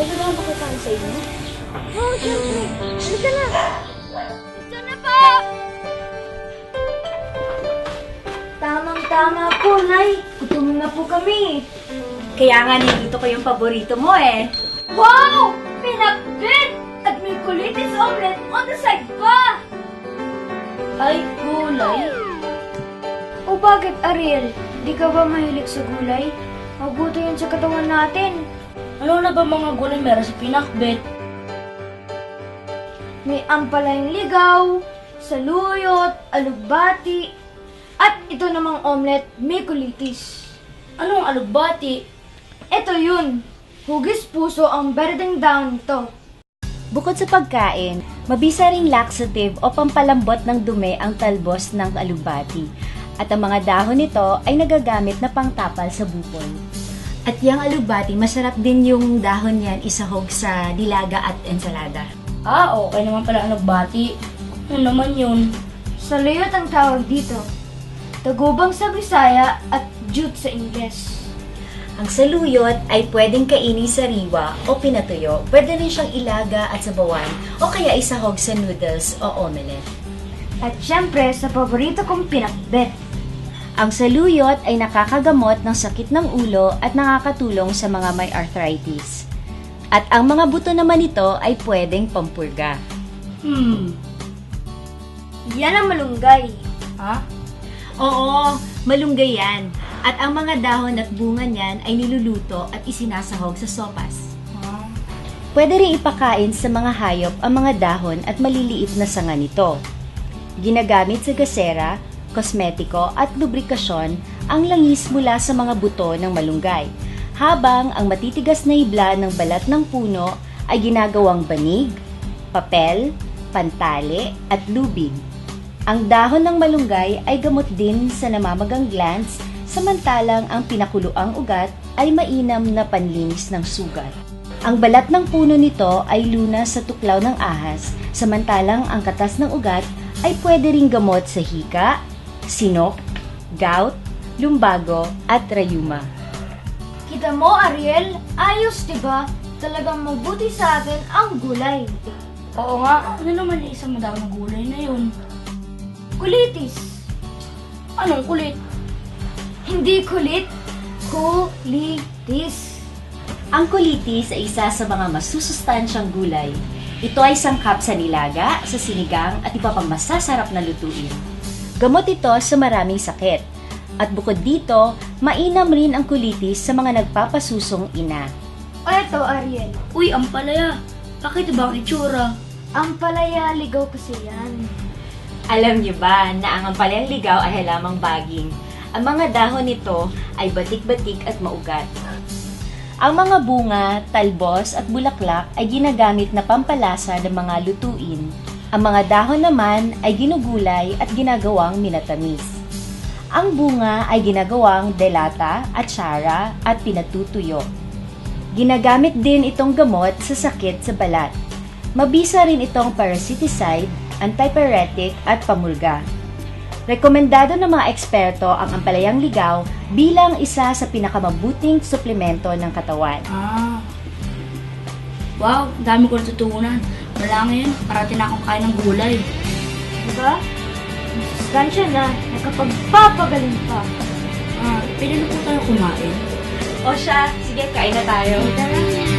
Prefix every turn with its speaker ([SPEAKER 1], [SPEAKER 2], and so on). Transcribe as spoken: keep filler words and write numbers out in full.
[SPEAKER 1] Pwede ba makakain sa inyo? Oo, oh, siyempre. Halika na. Ito na po! Tamang-tama po, Nay. Gutom na po kami.
[SPEAKER 2] Kaya nga nilito ko yung paborito mo eh.
[SPEAKER 1] Wow! Pinakbit! At may kulitis omelet on the side pa! Ay, gulay? O bakit, Ariel? Di ka ba mahilig sa gulay? Mabuti yun sa katawan natin.
[SPEAKER 3] Ano na ba mga gulay meron sa pinakbet?
[SPEAKER 1] May ampalayang ligaw, saluyot, alugbati, at ito namang omelet, may kulitis.
[SPEAKER 3] Anong alugbati?
[SPEAKER 1] Ito yun. Hugis puso ang berdeng down nito.
[SPEAKER 2] Bukod sa pagkain, mabisa ring laxative o pampalambot ng dumi ang talbos ng alugbati. At ang mga dahon nito ay nagagamit na pangtapal sa bukol. At yung alugbati, masarap din yung dahon yan isahog sa dilaga at ensalada.
[SPEAKER 3] Ah, okay naman pala ang alugbati. Ano naman yun?
[SPEAKER 1] Saluyot ang tawag dito. Tagubang sa Bisaya at jute sa Ingles.
[SPEAKER 2] Ang saluyot ay pwedeng kainin sariwa o pinatuyo. Pwede rin siyang ilaga at sabawan o kaya isahog sa noodles o omelette.
[SPEAKER 1] At syempre, sa paborito kong pinakbet.
[SPEAKER 2] Ang saluyot ay nakakagamot ng sakit ng ulo at nakakatulong sa mga may arthritis. At ang mga buto naman nito ay pwedeng pampurga.
[SPEAKER 3] Hmm.
[SPEAKER 1] Yan ang malunggay.
[SPEAKER 3] Ha?
[SPEAKER 2] Oo, malunggay yan. At ang mga dahon at bunga niyan ay niluluto at isinasahog sa sopas.
[SPEAKER 3] Ha?
[SPEAKER 2] Pwede rin ipakain sa mga hayop ang mga dahon at maliliit na sanga nito. Ginagamit sa gasera, kosmetiko at lubrikasyon ang langis mula sa mga buto ng malunggay, habang ang matitigas na hibla ng balat ng puno ay ginagawang banig, papel, pantali at lubid. Ang dahon ng malunggay ay gamot din sa namamagang glands, samantalang ang pinakuloang ugat ay mainam na panlinis ng sugat. Ang balat ng puno nito ay lunas sa tuklaw ng ahas, samantalang ang katas ng ugat ay pwede ring gamot sa hika, sinok, gout, lumbago at rayuma.
[SPEAKER 1] Kita mo, Ariel? Ayos, diba? Talagang mabuti sa atin ang gulay.
[SPEAKER 3] Oo nga. Ano naman yung isang madami ng gulay na yun?
[SPEAKER 1] Kulitis.
[SPEAKER 3] Anong kulit?
[SPEAKER 1] Hindi kulit. Kulitis.
[SPEAKER 2] Ang kulitis ay isa sa mga masusustansyang gulay. Ito ay sangkap sa nilaga, sa sinigang at iba pang masasarap na lutuin. Gamot ito sa maraming sakit. At bukod dito, mainam rin ang kulitis sa mga nagpapasusong ina.
[SPEAKER 1] O eto, Ariel.
[SPEAKER 3] Uy, ampalaya. Bakit ba ang itsura?
[SPEAKER 1] Ang palaya, ligaw kasi yan.
[SPEAKER 2] Alam niyo ba na ang ampalayang ligaw ay halamang baging? Ang mga dahon nito ay batik-batik at maugat. Ang mga bunga, talbos at bulaklak ay ginagamit na pampalasa ng mga lutuin. Ang mga dahon naman ay ginugulay at ginagawang minatamis. Ang bunga ay ginagawang delata, atsara at pinatutuyo. Ginagamit din itong gamot sa sakit sa balat. Mabisa rin itong parasiticide, antipyretic at pamulga. Rekomendado ng mga eksperto ang ampalayang ligaw bilang isa sa pinakamabuting suplemento ng katawan.
[SPEAKER 3] Ah. Wow, dami ko natutunan. Wala ngayon, parating na akong kain ng gulay.
[SPEAKER 1] Diba? Masustansya na, nakapagpapagaling pa.
[SPEAKER 3] Ah, pwede na po tayo kumain.
[SPEAKER 2] O siya, sige, kain na tayo.
[SPEAKER 1] Tara.